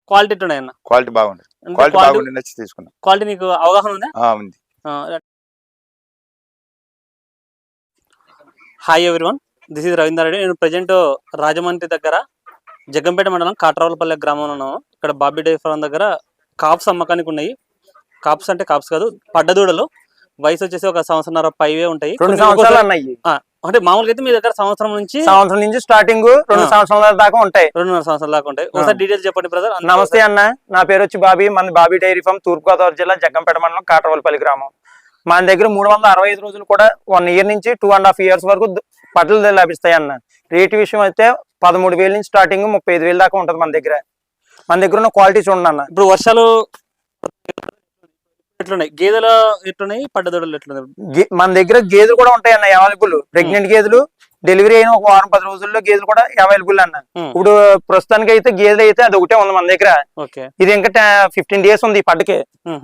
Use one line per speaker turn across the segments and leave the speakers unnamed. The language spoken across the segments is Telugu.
క్వాలిటీ ఎట్లున్నాయన్న?
క్వాలిటీ బాగుంది.
అంటే
క్వాలిటీ బాగుండి నచ్చి తీసుకున్నా.
క్వాలిటీ నీకు అవగాహన ఉందా?
ఉంది.
Hi everyone, this is Ravinder Reddy. నేను ప్రజెంట్ రాజమండ్రి దగ్గర జగ్గంపేట మండలం కాట్రావులపల్లె గ్రామంలో ఉన్నాము. ఇక్కడ బాబీ డైరీ ఫార్మ్ దగ్గర కాప్స్ అమ్మకానికి ఉన్నాయి. కాప్స్ అంటే కాప్స్ కాదు, పడ్డదూడలు. వయసు వచ్చేసి ఒక సంవత్సరంన్నర పైవే ఉంటాయి.
2 సంవత్సరాలు అన్నాయి.
అంటే మామూలుగా అయితే మీ దగ్గర సంవత్సరం నుంచి
స్టార్టింగ్ 2 సంవత్సరాల దాకా ఉంటాయి.
2.5 సంవత్సరాల దాకా ఉంటాయి. ఒకసారి డీటెయిల్స్ చెప్పండి బ్రదర్.
నమస్తే అన్న, నా పేరు వచ్చి బాబీ. మన బాబీ డైరీ ఫార్మ్ తూర్పుగోదావరి జిల్లా జగ్గంపేట మండలం కాట్రావులపల్లి గ్రామం. మన దగ్గర 365 రోజులు కూడా 1 ఇయర్ నుంచి 2.5 ఇయర్స్ వరకు పడ్డలు లభిస్తాయి అన్న. రేటు విషయం అయితే 13,000 నుంచి స్టార్టింగ్ 35,000 దాకా ఉంటుంది మన దగ్గర. మన దగ్గర ఉన్న క్వాలిటీ చూడండి అన్న.
ఇప్పుడు వర్షాలు ఎట్లున్నాయి? గేదెలు ఎట్లున్నాయి, పడ్డదూడలు ఎట్లున్నాయి?
మన దగ్గర గేదెలు కూడా ఉంటాయి అన్న, అవైలబుల్. ప్రెగ్నెంట్ గేదెలు, డెలివరీ అయిన ఒక వారం 10 రోజుల్లో గేదెలు కూడా అవైలబుల్ అన్న. ఇప్పుడు ప్రస్తుతానికి అయితే గేదెలు అయితే అది ఒకటే ఉంది మన దగ్గర. ఇది ఇంకా 15 డేస్ ఉంది ఈ పడ్డకి.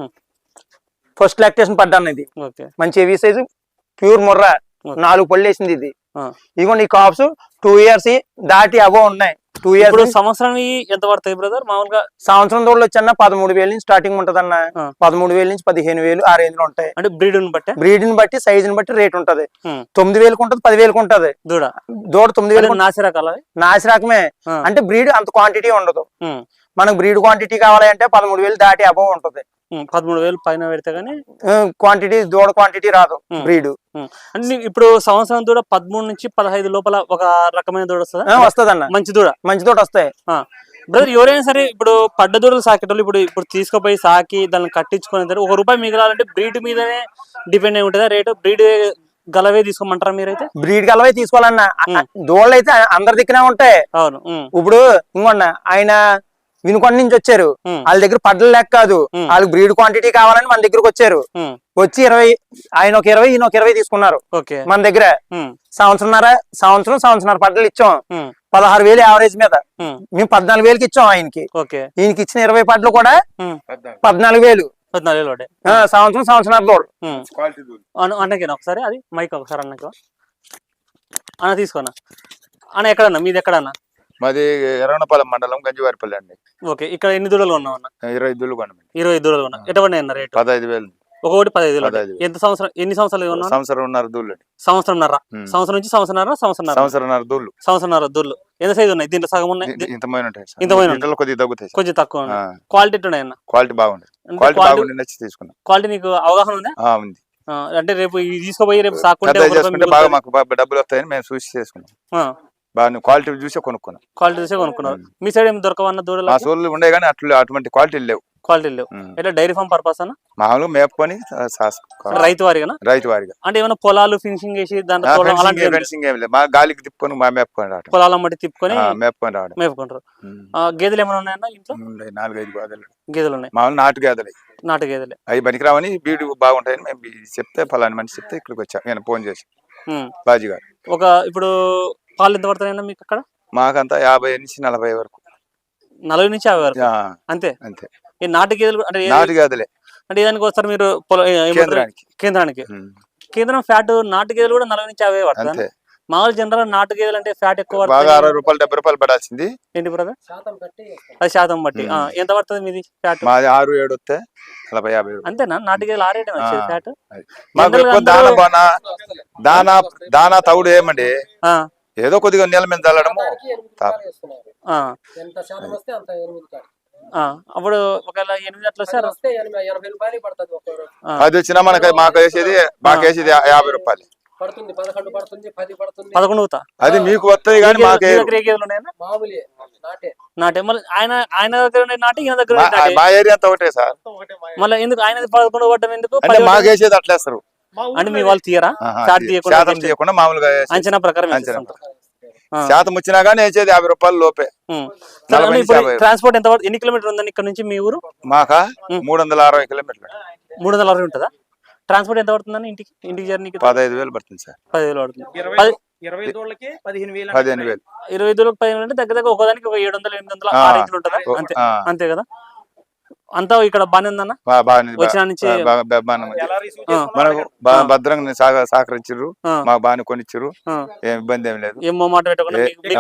ఫస్ట్ లాక్టేషన్ పడ్డ అన్నది. మంచి హెవీ సైజు ప్యూర్ ముర్రా, 4 పళ్ళు వేసింది ఇది. ఇదిగోండి ఈ కాప్స్ 2 ఇయర్స్ దాటి అవో ఉన్నాయి. 2 ఇయర్స్.
సంవత్సరం ఎంత పడతాయి బ్రదర్? మామూలుగా
సంవత్సరం దూడలు వచ్చి 13,000 నుంచి స్టార్టింగ్ ఉంటది అన్న. 13,000 నుంచి 15,000 ఆ రేంజ్ లో ఉంటాయి.
అంటే బ్రీడ్ని బట్టి
సైజుని బట్టి రేట్ ఉంటది. 9,000 ఉంటది, 10,000 ఉంటది. దూడ 9,000. నాసి రకమే అంటే బ్రీడ్ అంత క్వాంటిటీ ఉండదు. మనకు బ్రీడ్ క్వాంటిటీ కావాలి అంటే 13,000 దాటి అబవ్ ఉంటది.
13,000 పైన పెడితే గానీ
క్వాంటిటీ దూడ క్వాంటిటీ రాదు బ్రీడ్.
అంటే ఇప్పుడు సంవత్సరం దూడ 13 నుంచి 15 లోపల ఒక రకమైన దూడ
వస్తుంది అన్న. మంచి దూడ వస్తాయి
బ్రదర్. ఎవరైనా సరే ఇప్పుడు పడ్డ దూడలు సాకేటోళ్ళు ఇప్పుడు తీసుకుపోయి సాకి దాన్ని కట్టించుకుని ₹1 మిగలాలంటే బ్రీడ్ మీదనే డిపెండ్ అయి ఉంటుందా రేటు? బ్రీడ్ గలవే తీసుకోమంటారా మీరైతే?
బ్రీడ్ గలవే తీసుకోవాలన్నా. దూడలు అయితే అందరి దిక్కునే ఉంటాయి.
అవును.
ఇప్పుడు ఇంకొన్న ఆయన వినుకొండ నుంచి వచ్చారు. వాళ్ళ దగ్గర పడ్డలు లెక్క కాదు, వాళ్ళకి బ్రీడ్ క్వాంటిటీ కావాలని మన దగ్గరకు వచ్చారు. వచ్చి 20, ఆయన ఒక 20, ఈయన ఒక 20 తీసుకున్నారు మన దగ్గర. సంవత్సరం పడ్డలు ఇచ్చాం. 16,000 యావరేజ్ మీద. మేము 14,000కి ఇచ్చాం ఆయనకి. ఈయనకి ఇచ్చిన 20 పడ్డలు కూడా 14,000. సంవత్సరం దూడ
అన్నకి ఒకసారి అది మైక్ ఒకసారి అన్నకి అన్న తీసుకోనా అన్న. ఎక్కడన్నా మీది? ఎక్కడన్నా?
మాది ఎర్రగొండపాలెం మండలం గంజివారిపల్లి అండి.
ఓకే. ఇక్కడ ఎన్ని దూడలు ఉన్నావు అన్న?
20 దూడలు కొన్నాం.
20 దూడలు కొన్నా. ఎటువంటి అన్న రేటు?
15,000.
ఒకటి 15,000. ఎన్ని సంవత్సరాలు ఉన్నా?
సంవత్సరంన్నర దూళ్ళు.
సంవత్సరంన్నర నుంచి సంవత్సరంన్నర దూళ్ళు. ఎంత సైజు ఉన్నాయి దీంట్లో? సగం ఉన్నాయి, కొంచెం తక్కువ. క్వాలిటీ ఎట్లున్నాయన్న?
క్వాలిటీ బాగుంది. నచ్చి తీసుకున్నా.
క్వాలిటీ నీకు అవగాహన ఉందా?
ఉంది.
అంటే రేపు తీసుకుపోయి రేపు సాకుంటే
బాగా మాకు డబ్బులు వస్తాయని మేము చూసి చేసుకున్నాం. బాగా క్వాలిటీ చూసే కొనుక్కున్నారు. మీ సైడ్ ఏమి దొరకవన్న దూడలు? మా సోళ్ళు ఉండే కానీ అటువంటి క్వాలిటీ లేవు.
ఎట్లా డైరీ ఫార్మ్ పర్పస్ అన్న?
మామూలుగా మేపుకొని
రైతు వారిగా అంటే ఏమైనా పొలాలు ఫినిషింగ్ చేసి
ఫెన్సింగ్ ఏం లేదు, మా గాలికి తిప్పుకొని మేపుకొని రావడం.
పొలాల మట్టి తిప్పుకొని
మేపుకుంటారు.
గేదెలు ఏమైనా ఉన్నాయన్న ఇంట్లో?
4-5
గేదెలు ఉన్నాయి.
మామూలు నాటు గేదెలే. అవి పనికిరావని బీడు బాగుంటాయని మేము చెప్తే ఫలాని మనిషి చెప్తే ఇక్కడికి వచ్చా. నేను ఫోన్ చేసి బాజీ గారు.
ఇప్పుడు పాలు ఎంత పడతాయన్నా మీకు అక్కడ?
మాకంతా 50 నుంచి 40 వరకు.
40 నుంచి 50 వరకు అంతే. ఈ నాటు గేదెలు అంటే ఏదానికి వస్తారు మీరు? కేంద్రం ఫ్యాట్ నాటు గేదెలు కూడా 40 నుంచి 50 పడుతుంది. మామూలు జనరల్ నాటు గేదెలు అంటే ఫ్యాట్ ఎక్కువ
₹60, ₹70 పడాల్సింది.
ఏంటి బ్రదర్? అది శాతం బట్టి. ఎంత పడుతుంది మీది ఫ్యాట్?
6-7 వస్తే 40-50.
అంతేనా? నాటు గేదెలు 6 వచ్చేది ఫ్యాట్.
దానా తవుడు ఏమండి, ఏదో కొద్దిగా నెల మీద చల్లడము.
అప్పుడు ఒకవేళ 8 అట్లా వస్తే
అది వచ్చినా మాకు వేసేది ₹50
11.
అది మీకు వస్తుంది కానీ మాకు
నాటే. మళ్ళీ ఆయన దగ్గర నాటి, ఈయన దగ్గర
మా ఏరియా అంతా ఒకటే సార్.
మళ్ళీ ఎందుకు ఆయన 11 పడ్డం ఎందుకు?
మాకు వేసేది అట్లేస్తారు
అంటే మీ వాళ్ళు తీయరా?
తీయకుండా మామూలుగా
అంచనా ప్రకారం
శాతం వచ్చినా కానీ వేసేది ₹50 లోపే.
ట్రాన్స్పోర్ట్ ఎంత? ఎన్ని కిలోమీటర్ ఉందండి ఇక్కడ నుంచి మీ ఊరు?
మాకా 360 కిలోమీటర్లు.
360 ఉంటుందా? ట్రాన్స్పోర్ట్ ఎంత పడుతుందని ఇంటికి జర్నీకి?
15,000 పడుతుంది సార్.
15,000 పడుతుంది.
20 దూడలకి 15,000.
20 దూడలకు 15,000 అంటే దగ్గర ఒకదానికి ఒక 700-800 ఉంటుందా? అంతే కదా. అంతా ఇక్కడ బానే ఉందన్న వచ్చిన నుంచి
మనకు భద్రంగా సహకరించారు, మాకు బాగానే కొనిచ్చారు, ఏం ఇబ్బంది ఏం లేదు.
ఏం మాట పెట్టకుండా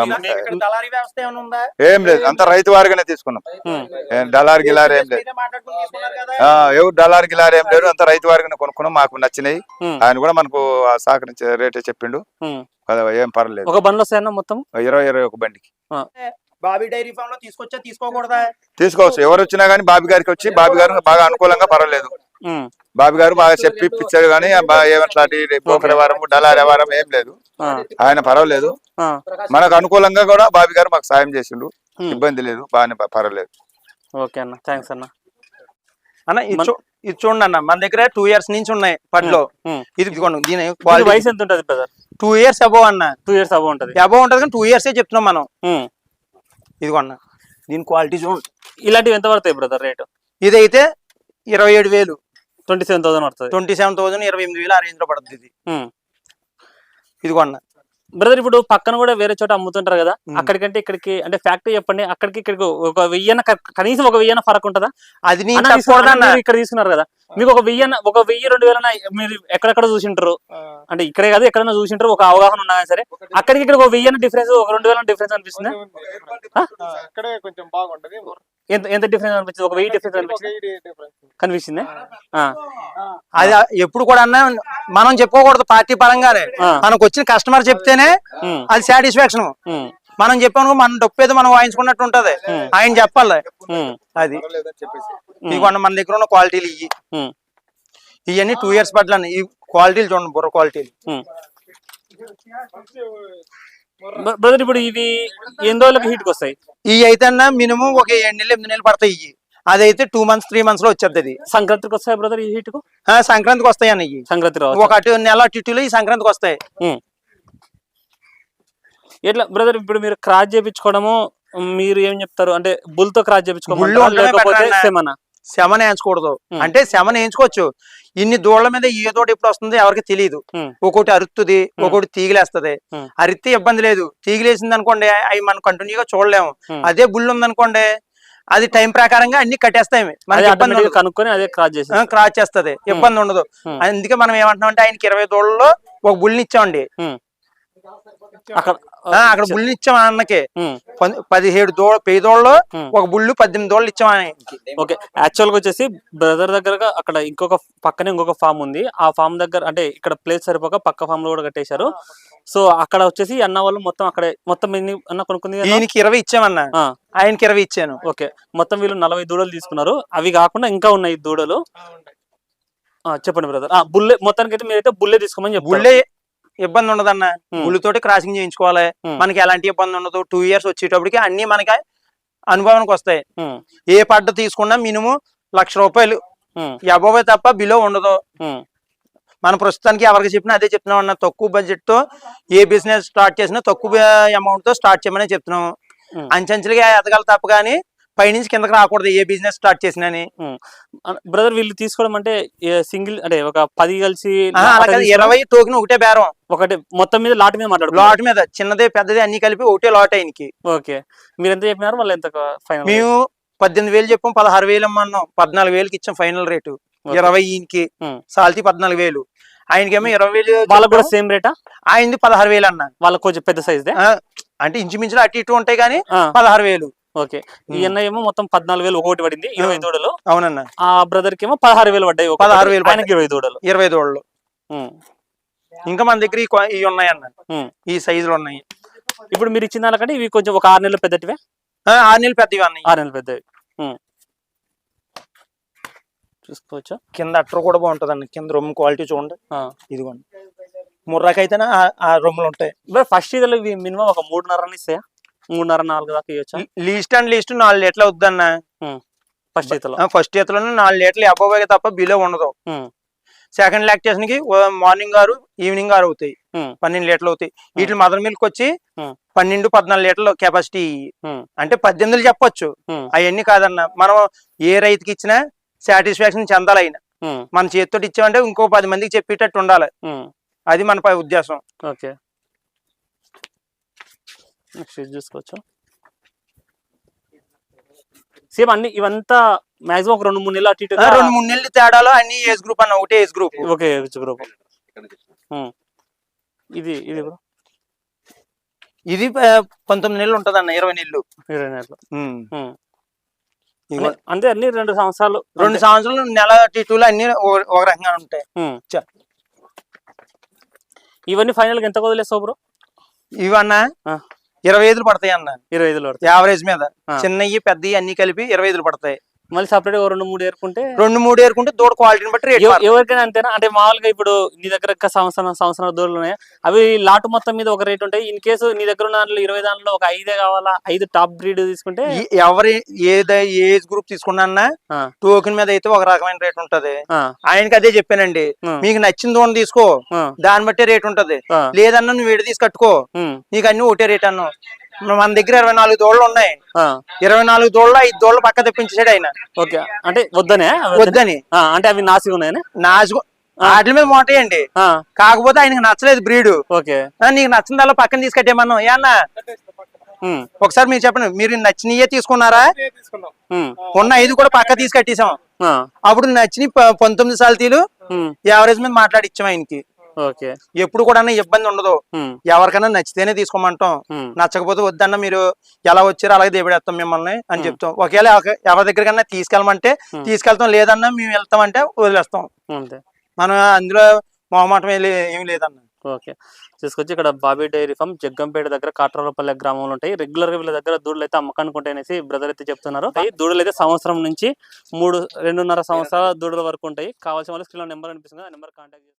ఏం లేదు, అంత రైతు వారిగానే తీసుకున్నాం. డలార్ గిలార్ ఏం లేదు, ఎవరు డలార్ గిలార్ ఏం లేదు, అంత రైతు వారిగానే కొనుక్కున్నాం. మాకు నచ్చినాయి, ఆయన కూడా మనకు సహకరించే రేటే చెప్పిండు కదా, ఏం పర్లేదు.
ఒక బండ్లు వస్తాయన్న మొత్తం
20 బండికి.
బాబీ డైరీ ఫామ్ లో తీసుకొచ్చా తీసుకోకూడదా?
తీసుకోవచ్చు, ఎవరు వచ్చినా గానీ బాబీ గారికి వచ్చి బాబీ గారు బాగా అనుకూలంగా పర్వాలేదు. బాబీ గారు బాగా చెప్పి ఇప్పించాడు, కానీ ఏమట్లాంటి పోకడ వారం డలార్ వారం ఏం లేదు, ఆయన పర్వాలేదు. మనకు అనుకూలంగా కూడా బాబీ గారు మాకు సాయం చేసిండు, ఇబ్బంది లేదు, బాగానే పర్వాలేదు.
ఓకే అన్న, థ్యాంక్స్ అన్న.
అన్న ఇది చూడండి అన్న, మన దగ్గర 2 years నుంచి ఉన్నాయి పట్లో. ఇది దీని
వయసు ఎంత ఉంటది బ్రదర్?
2 years అబోవ్ అన్న.
2 years అబోవ్ ఉంటది.
అబోవ్ ఉంటది కానీ 2 years చెప్తున్నాం మనం. ఇదిగో అన్న, దీని క్వాలిటీ చూడండి.
ఇలాంటివి ఎంత పడతాయి బ్రదర్ రేటు?
ఇదైతే 27,000,
27,000 పడుతుంది.
27,000, 28,000 ఆ రేంజ్ లో పడుతుంది ఇది. ఇదిగో అన్న
బ్రదర్, ఇప్పుడు పక్కన కూడా వేరే చోట అమ్ముతుంటారు కదా, అక్కడికంటే ఇక్కడికి అంటే ఫ్యాక్టరీ చెప్పండి, అక్కడికి ఇక్కడికి ఒక 1000 కనీసం ఒక 1000 ఫరక్ ఉంటుందా?
అది
ఇక్కడ తీసుకున్నారు కదా, మీకు ఒక 1000 2,000 మీరు ఎక్కడెక్కడ చూసింటారు, అంటే ఇక్కడే కాదు ఎక్కడైనా చూసింటారు, ఒక అవగాహన ఉన్నా సరే అక్కడికి ఇక్కడ ఒక 1000 డిఫరెన్స్, ఒక 2,000 డిఫరెన్స్ అనిపిస్తుంది. ఎంత డిఫరెన్స్ అనిపించింది? ఒక 1000 డిఫరెన్స్ కనిపిస్తుంది.
అది ఎప్పుడు కూడా అన్న మనం చెప్పుకోకూడదు, పార్టీ పరంగానే మనకు వచ్చిన కస్టమర్ చెప్తేనే అది సాటిస్ఫాక్షన్. మనం చెప్పాను మన డొప్పేదో మనం వాయించుకున్నట్టు ఉంటది, ఆయన చెప్పాలి అది. ఇదిగోండి మన దగ్గర ఉన్న క్వాలిటీలు ఇవన్నీ 2 years పట్ల ఈ క్వాలిటీలు చూడండి, బుర్ర క్వాలిటీలు.
బ్రదర్, ఇప్పుడు ఇవి ఎన్ని రోజులకి హీట్కి వస్తాయి?
ఇవి అయితే అన్న మినిమం ఒక 7 నెలలు 8 నెలలు పడతాయి. ఇవి అదైతే 2 months 3 months లో వచ్చేది.
సంక్రాంతికి వస్తాయి బ్రదర్ ఈ హీట్ కు?
సంక్రాంతికి వస్తాయి అన్న. ఇవి సంక్రాంతి ఒక నెల టిట్టులో ఈ సంక్రాంతికి వస్తాయి.
ఎట్లా బ్రదర్, ఇప్పుడు మీరు క్రాస్ చేయించుకోవడము మీరు ఏం చెప్తారు అంటే బుల్ తో క్రాస్ చేయించుకోవాలి,
శమన వేయించకూడదు అంటే శమన వేయించుకోవచ్చు. ఇన్ని దూడల మీద ఏ దూడ ఎప్పుడు వస్తుంది ఎవరికి తెలియదు. ఒక్కొక్కటి అరుస్తుంది, ఒక్కొక్కటి తీగిలేస్తుంది. అరిస్తే ఇబ్బంది లేదు, తీగిలేసింది అనుకోండి అవి మనం కంటిన్యూగా చూడలేము. అదే బుల్ ఉందనుకోండి అది టైం ప్రకారంగా అన్ని కట్టేస్తాయి,
కనుక్కొని అదే
క్రాస్ చేస్తుంది, ఇబ్బంది ఉండదు. అందుకే మనం ఏమంటున్నాం అంటే ఆయనకి 20 దూడల్లో ఒక బుల్ని ఇచ్చామండి. అక్కడ బుల్ని ఇచ్చాం అన్నకి 17 దూడలో ఒక బుల్లు 18 దూడలు ఇచ్చాం.
ఓకే, యాక్చువల్ గా వచ్చేసి బ్రదర్ దగ్గర అక్కడ ఇంకొక పక్కనే ఇంకొక ఫామ్ ఉంది. ఆ ఫామ్ దగ్గర అంటే ఇక్కడ ప్లేస్ సరిపోక పక్క ఫామ్ లో కూడా కట్టేశారు. సో అక్కడ వచ్చేసి అన్న వాళ్ళు మొత్తం అక్కడ మొత్తం ఎన్ని అన్న కొనుక్కుంది?
ఈయనకి 20 ఇచ్చామన్నా, ఆయనకి 20 ఇచ్చాను.
ఓకే, మొత్తం వీళ్ళు 40 దూడలు తీసుకున్నారు. అవి కాకుండా ఇంకా ఉన్నాయి దూడలు. చెప్పండి బ్రదర్. బుల్లే మొత్తానికి అయితే మీరైతే బుల్లే తీసుకోమని చెప్పారు.
బుల్లే ఇబ్బంది ఉండదన్న, బుల్లుతోటి క్రాసింగ్ చేయించుకోవాలి, మనకి ఎలాంటి ఇబ్బంది ఉండదు. 2 years వచ్చేటప్పటికి అన్ని మనకి అనుభవానికి వస్తాయి. ఏ పడ్డ తీసుకున్నా మినిమం ₹1,00,000 అబోవే తప్ప బిలో ఉండదు. మన ప్రస్తుతానికి ఎవరికి చెప్పినా అదే చెప్తున్నాం అన్న, తక్కువ బడ్జెట్ తో ఏ బిజినెస్ స్టార్ట్ చేసినా తక్కువ అమౌంట్ తో స్టార్ట్ చేయమని చెప్తున్నాం. అంచెంచెలుగా ఎదగాలి తప్ప కానీ పైనుంచి కిందకి రాకూడదు ఏ బిజినెస్ స్టార్ట్ చేసినా.
బ్రదర్, వీళ్ళు తీసుకోవడం అంటే సింగిల్ అంటే ఒక 10 కలిసి
20 టోకెన్ ఒకటే బేరం,
ఒకటి మొత్తం మీద లాట్ మీద మాట్లాడు,
లాట్ మీద చిన్నది పెద్దది అన్ని కలిపి ఒకటే లాట్ ఆయనకి.
ఓకే, మీరు ఎంత చెప్పినారు? వాళ్ళు ఎంత ఫైనల్?
మేము 18,000 చెప్పాం, 16,000 అన్నాం, 14,000కి ఇచ్చాం ఫైనల్ రేటు. 20 ఈయనకి సాల్తీ 14,000, ఆయనకేమో 20,000.
వాళ్ళకి కూడా సేమ్ రేటా?
ఆయనది 16,000 అన్న.
వాళ్ళకి కొంచెం పెద్ద సైజ్
అంటే ఇంచుమించులు అటు ఇటు ఉంటాయి కానీ 16,000.
ఓకే, ఈ అన్న ఏమో మొత్తం 14,000 ఒకటి పడింది, 20 దూడలు.
అవునన్న.
ఆ బ్రదర్ కి ఏమో 16,000 పడ్డాయి, 16,000 ఆయనకి 20 దూడలు.
20 దూడలు. ఇంకా మన దగ్గర ఇవి ఉన్నాయన్న, ఈ సైజులు ఉన్నాయి.
ఇప్పుడు మీరు ఇచ్చిన దానికంటే ఇవి కొంచెం ఒక 6 నెలలు పెద్దటివే?
6 నెలలు పెద్దవి అన్నాయి.
6 నెలలు పెద్దవి చూసుకోవచ్చు.
కింద అట్టర్ కూడా బాగుంటది అన్న, కింద రొమ్ము క్వాలిటీ చూడండి. ఇదిగోండి ముర్రాకైతేనే ఆ రొమ్ములు ఉంటాయి.
ఫస్ట్ ఇదిలో మినిమం ఒక 3.5 ఇస్తాయా? 3.5-4 దాకా ఇవ్వచ్చు.
లీస్ట్ అండ్ లీస్ట్ 4 లీటర్లు అవుద్దన్న
ఫస్ట్ ఈతలో.
4 లీటర్లు అబోవ్ తప్ప బిలో ఉండదు. సెకండ్ లాక్టేషన్ కి మార్నింగ్ 6 ఈవినింగ్ 6 అవుతాయి, 12 లీటర్లు అవుతాయి. వీటి మదర్ మిల్క్ వచ్చి 12-14 లీటర్లు కెపాసిటీ. అంటే 18 చెప్పొచ్చు, అవన్నీ కాదన్న. మనం ఏ రైతుకి ఇచ్చినా సాటిస్ఫాక్షన్ చెందాలి. అయినా మన చేతితో ఇచ్చామంటే ఇంకో 10 మందికి చెప్పేటట్టు ఉండాలి, అది మన ఉద్దేశం.
ఓకే, చూసుకోవచ్చు. సేమ్ అన్ని ఇవంతా మాక్సిమం ఒక 2-3 నెలలు అటు ఇటు
2-3 నెలలు తేడాలో అన్ని ఏజ్ గ్రూప్ అన్న, ఒకటే age group.
Okay age group. ఇది ఇది బ్రో
ఇది 19 నెలలు ఉంటది అన్న, 20 నెలలు.
20 నెలలు. అంటే అన్ని 2 సంవత్సరాలు
2 సంవత్సరాలు నెల టీటూలు అన్ని ఒక రకంగా ఉంటాయి.
ఇవన్నీ ఫైనల్ గా ఎంత వదిలేస్తావు బ్రో?
ఇవన్నా 25 పడతాయి అన్న.
25 పడతాయి
యావరేజ్ మీద. చిన్నవి పెద్దవి అన్ని కలిపి 25 పడతాయి.
మళ్ళీ సపరేట్ 2-3 ఏరుకుంటే
2-3 ఏరుకుంటే దూడ క్వాలిటీని బట్టి రేట్.
ఎవరికైనా అంతేనా? అంటే మామూలుగా ఇప్పుడు నీ దగ్గర సంవత్సరం దూడలు ఉన్నాయి, అవి లాటు మొత్తం మీద ఒక రేట్ ఉంటాయి. ఇన్ కేసు నీ దగ్గర ఉన్న దాంట్లో 20 దాంట్లో ఒక 5 కావాలా, 5 టాప్ బ్రీడ్ తీసుకుంటే
ఎవరి ఏజ్ గ్రూప్ తీసుకున్నా టోకెన్ మీద అయితే ఒక రకమైన రేట్ ఉంటది. ఆయనకి అదే చెప్పానండి, మీకు నచ్చిన దూడ తీసుకో, దాన్ని బట్టి రేట్ ఉంటది. లేదన్నా నువ్వు విడి తీసి కట్టుకో, నీకు అన్ని ఒకటే రేట్ అన్నా. మన దగ్గర 24 దూడలు ఉన్నాయి. 24 దూడలు 5 దూడలు పక్క తెప్పించాడు ఆయన.
ఓకే అంటే వద్దని అంటే అవి నాసిగా ఉన్నాయని
వాటి మీద మోటాయండి. కాకపోతే ఆయనకి నచ్చలేదు బ్రీడ్.
ఓకే
నీకు నచ్చిన దానిలో పక్కన తీసుకట్టేమన్నా ఏమన్నా ఒకసారి మీరు చెప్పండి, మీరు నచ్చినయే తీసుకున్నారా? ఉన్న 5 కూడా పక్క తీసుకట్టేసాం. అప్పుడు నచ్చిన 19 సాల్తీలు యావరేజ్ మీద మాట్లాడిచ్చాం ఆయనకి.
ఓకే
ఎప్పుడు కూడా ఇబ్బంది ఉండదు. ఎవరికైనా నచ్చితేనే తీసుకోమంటాం, నచ్చకపోతే వద్దన్న మీరు ఎలా వచ్చారో అలాగే దేబడేస్తాం మిమ్మల్ని అని చెప్తాం. ఒకవేళ ఎవరి దగ్గరకన్నా తీసుకెళ్ళమంటే తీసుకెళ్తాం, లేదన్నా మేము వెళ్తామంటే వదిలేస్తాం. మనం అందులో మొహమాటం ఏమి లేదన్న.
ఓకే తీసుకొచ్చి ఇక్కడ బాబీ డైరీ ఫామ్ జగ్గంపేట దగ్గర కాట్రాలపల్లె గ్రామంలో ఉంటాయి. రెగ్యులర్ గా వీళ్ళ దగ్గర దూడలు అయితే అమ్మకానికి ఉంటాయనేసి బ్రదర్ అయితే చెప్తున్నారు. దూడలు అయితే సంవత్సరం నుంచి 2.5 సంవత్సరాల దూడల వరకు ఉంటాయి. కావాల్సిన వాళ్ళు స్క్రీన్ నెంబర్ అనిపిస్తుంది, ఆ నెంబర్ కాంటాక్ట్